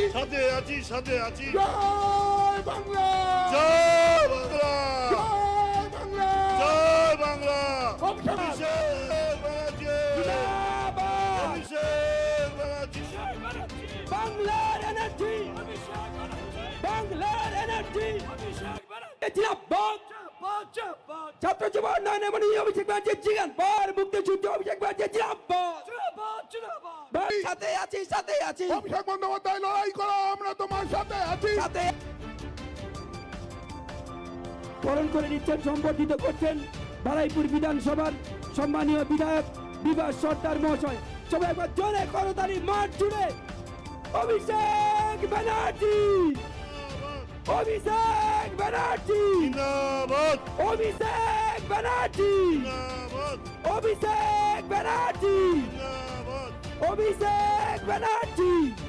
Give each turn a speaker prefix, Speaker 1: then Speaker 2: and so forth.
Speaker 1: সাথে আছি সাথে আছি।
Speaker 2: জয় বাংলা,
Speaker 1: জয় বাংলা,
Speaker 2: জয় বাংলা,
Speaker 1: জয় বাংলা।
Speaker 2: অভিষেক
Speaker 1: অভিষেক ব্যানার্জি,
Speaker 2: জিন্দাবাদ,
Speaker 1: অভিষেক ব্যানার্জি,
Speaker 2: বাংলার এনার্জি, বাংলার এনার্জি, জিন্দাবাদ। ছাত্র যুব উন্নয়ন মন্ত্রী অভিষেক ব্যানার্জি জিন্দাবাদ, মুক্তিযুদ্ধ অভিষেক ব্যানার্জি জিন্দাবাদ, সাথে আছি সাথে আছি।
Speaker 3: অভিষেক বন্দ্যোপাধ্যায় লড়াই করো, আমরা তোমার সাথে আছি।
Speaker 2: সাথে বরণ করে নিচ্ছেন, সম্বর্ধিত করছেন বারাইপুর বিধানসভার সম্মানীয় বিধায়ক বিভাস সর্দার মহাশয়। সবাই একবার জোরে করতালি মাঠ জুড়ে অভিষেক ব্যানার্জি, অভিষেক ব্যানার্জি,
Speaker 1: জিন্দাবাদ,
Speaker 2: অভিষেক ব্যানার্জি,
Speaker 1: জিন্দাবাদ,
Speaker 2: অভিষেক ব্যানার্জি,
Speaker 1: জিন্দাবাদ।
Speaker 2: অভিষেক ব্যানার্জি।